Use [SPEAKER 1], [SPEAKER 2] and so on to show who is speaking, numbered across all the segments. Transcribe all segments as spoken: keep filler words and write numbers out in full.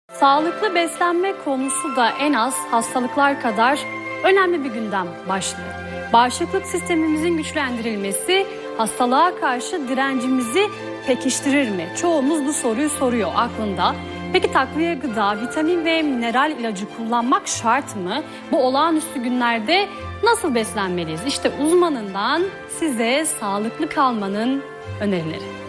[SPEAKER 1] Sağlıklı beslenme konusu da en az hastalıklar kadar önemli bir gündem başlığı. Bağışıklık sistemimizin güçlendirilmesi hastalığa karşı direncimizi pekiştirir mi? Çoğumuz bu soruyu soruyor aklında. Peki takviye gıda, vitamin ve mineral ilacı kullanmak şart mı? Bu olağanüstü günlerde nasıl beslenmeliyiz? İşte uzmanından size sağlıklı kalmanın önerileri.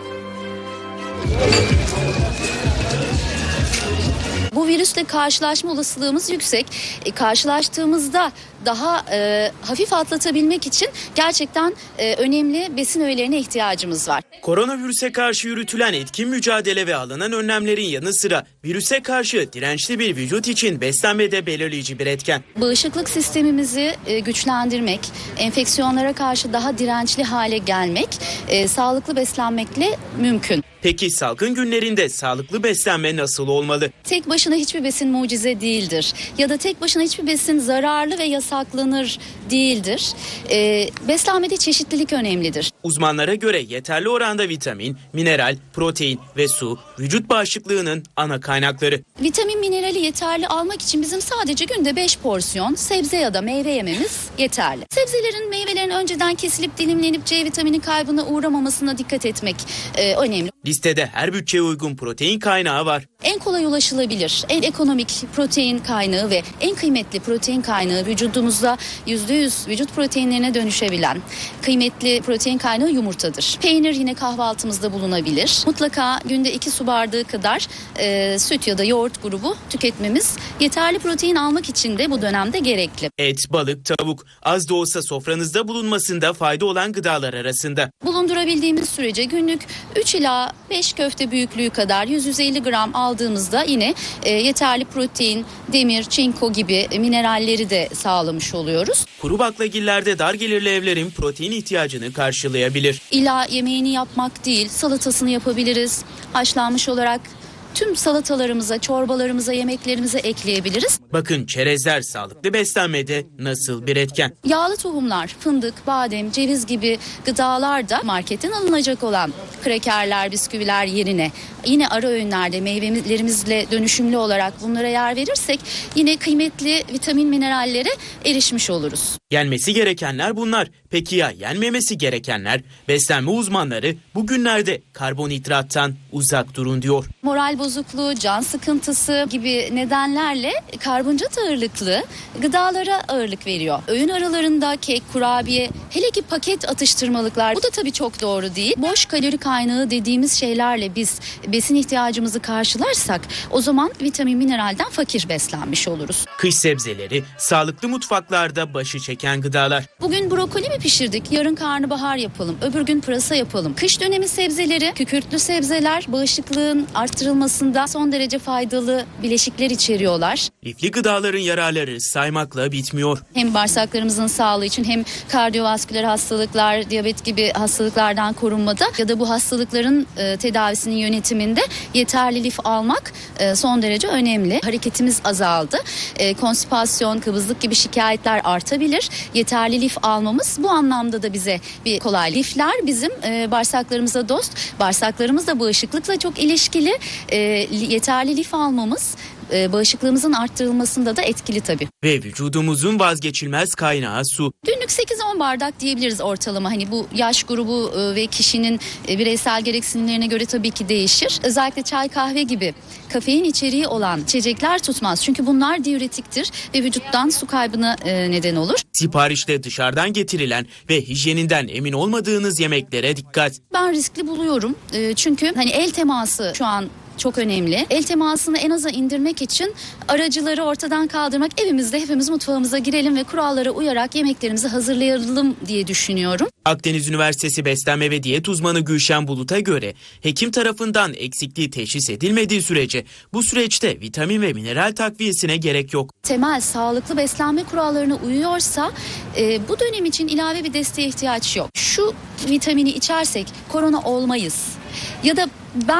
[SPEAKER 2] Bu virüsle karşılaşma olasılığımız yüksek. E, karşılaştığımızda daha e, hafif atlatabilmek için gerçekten e, önemli besin öğelerine ihtiyacımız var.
[SPEAKER 3] Koronavirüse karşı yürütülen etkin mücadele ve alınan önlemlerin yanı sıra virüse karşı dirençli bir vücut için beslenme de belirleyici bir etken.
[SPEAKER 2] Bağışıklık sistemimizi e, güçlendirmek, enfeksiyonlara karşı daha dirençli hale gelmek, e, sağlıklı beslenmekle mümkün.
[SPEAKER 3] Peki salgın günlerinde sağlıklı beslenme nasıl olmalı?
[SPEAKER 2] Tek başına hiçbir besin mucize değildir. Ya da tek başına hiçbir besin zararlı ve yasaklanır değildir. Ee, beslenmede çeşitlilik önemlidir.
[SPEAKER 3] Uzmanlara göre yeterli oranda vitamin, mineral, protein ve su vücut bağışıklığının ana kaynakları.
[SPEAKER 2] Vitamin minerali yeterli almak için bizim sadece günde beş porsiyon sebze ya da meyve yememiz yeterli. Sebzelerin, meyvelerin önceden kesilip dilimlenip C vitamini kaybına uğramamasına dikkat etmek e, önemli.
[SPEAKER 3] Listede her bütçeye uygun protein kaynağı var.
[SPEAKER 2] En kolay ulaşılabilir, en ekonomik protein kaynağı ve en kıymetli protein kaynağı vücudumuzda yüzde yüz vücut proteinlerine dönüşebilen kıymetli protein kaynağı yumurtadır. Peynir yine kahvaltımızda bulunabilir. Mutlaka günde iki su bardağı kadar e, süt ya da yoğurt grubu tüketmemiz yeterli protein almak için de bu dönemde gerekli.
[SPEAKER 3] Et, balık, tavuk az da olsa sofranızda bulunmasında fayda olan gıdalar arasında.
[SPEAKER 2] Bulundurabildiğimiz sürece günlük üç ila beş köfte büyüklüğü kadar yüz yüz elli gram aldığımızda yine e, yeterli protein, demir, çinko gibi mineralleri de sağlamış oluyoruz.
[SPEAKER 3] Kuru baklagillerde dar gelirli evlerin protein ihtiyacını karşılayabilir.
[SPEAKER 2] İlla yemeğini yapmak değil, salatasını yapabiliriz. Haşlanmış olarak tüm salatalarımıza, çorbalarımıza, yemeklerimize ekleyebiliriz.
[SPEAKER 3] Bakın çerezler sağlıklı beslenmede nasıl bir etken?
[SPEAKER 2] Yağlı tohumlar, fındık, badem, ceviz gibi gıdalar da marketten alınacak olan krekerler, bisküviler yerine yine ara öğünlerde meyvelerimizle dönüşümlü olarak bunlara yer verirsek yine kıymetli vitamin minerallere erişmiş oluruz.
[SPEAKER 3] Yenmesi gerekenler bunlar. Peki ya yenmemesi gerekenler? Beslenme uzmanları bugünlerde karbonhidrattan uzak durun diyor.
[SPEAKER 2] Moral bozukluğu, can sıkıntısı gibi nedenlerle karbonhidrat ağırlıklı gıdalara ağırlık veriyor. Öğün aralarında kek, kurabiye, hele ki paket atıştırmalıklar, bu da tabii çok doğru değil. Boş kalori kaynağı dediğimiz şeylerle biz besin ihtiyacımızı karşılarsak o zaman vitamin mineralden fakir beslenmiş oluruz.
[SPEAKER 3] Kış sebzeleri sağlıklı mutfaklarda başı çeken gıdalar.
[SPEAKER 2] Bugün brokoli mi pişirdik? Yarın karnabahar yapalım. Öbür gün pırasa yapalım. Kış dönemi sebzeleri, kükürtlü sebzeler bağışıklığın arttırılmasında son derece faydalı bileşikler içeriyorlar.
[SPEAKER 3] Lifli gıdaların yararları saymakla bitmiyor.
[SPEAKER 2] Hem bağırsaklarımızın sağlığı için hem kardiyovasküler hastalıklar, diyabet gibi hastalıklardan korunmada ya da bu hastalıkların e, tedavisinin yönetiminde yeterli lif almak e, son derece önemli. Hareketimiz azaldı. E, konstipasyon, kıvızlık gibi şikayetler artabilir. Yeterli lif almamız bu anlamda da bize bir kolay. Lifler bizim e, bağırsaklarımıza dost. Bağırsaklarımız da bağışıklıkla çok ilişkili. E, yeterli lif almamız e, bağışıklığımızın arttırılmasında da etkili tabii.
[SPEAKER 3] Ve vücudumuzun vazgeçilmez kaynağı su.
[SPEAKER 2] Günlük sekiz on bardak diyebiliriz ortalama. Hani bu yaş grubu e, ve kişinin e, bireysel gereksinimlerine göre tabii ki değişir. Özellikle çay, kahve gibi kafein içeriği olan içecekler tutmaz. Çünkü bunlar diüretiktir ve vücuttan su kaybına e, neden olur.
[SPEAKER 3] Siparişte dışarıdan getirilen ve hijyeninden emin olmadığınız yemeklere dikkat.
[SPEAKER 2] Ben riskli buluyorum. E, çünkü hani el teması şu an çok önemli. El temasını en aza indirmek için aracıları ortadan kaldırmak, evimizde hepimiz mutfağımıza girelim ve kurallara uyarak yemeklerimizi hazırlayalım diye düşünüyorum.
[SPEAKER 3] Akdeniz Üniversitesi Beslenme ve Diyet uzmanı Gülşen Bulut'a göre hekim tarafından eksikliği teşhis edilmediği sürece bu süreçte vitamin ve mineral takviyesine gerek yok.
[SPEAKER 2] Temel sağlıklı beslenme kurallarına uyuyorsa e, bu dönem için ilave bir desteğe ihtiyaç yok. Şu vitamini içersek korona olmayız ya da ben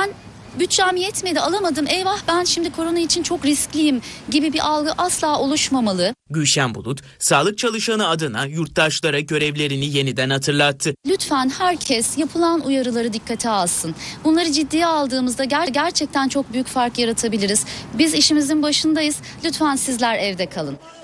[SPEAKER 2] bütçem yetmedi, alamadım, eyvah ben şimdi korona için çok riskliyim gibi bir algı asla oluşmamalı.
[SPEAKER 3] Gülşen Bulut, sağlık çalışanı adına yurttaşlara görevlerini yeniden hatırlattı.
[SPEAKER 2] Lütfen herkes yapılan uyarıları dikkate alsın. Bunları ciddiye aldığımızda ger- gerçekten çok büyük fark yaratabiliriz. Biz işimizin başındayız. Lütfen sizler evde kalın.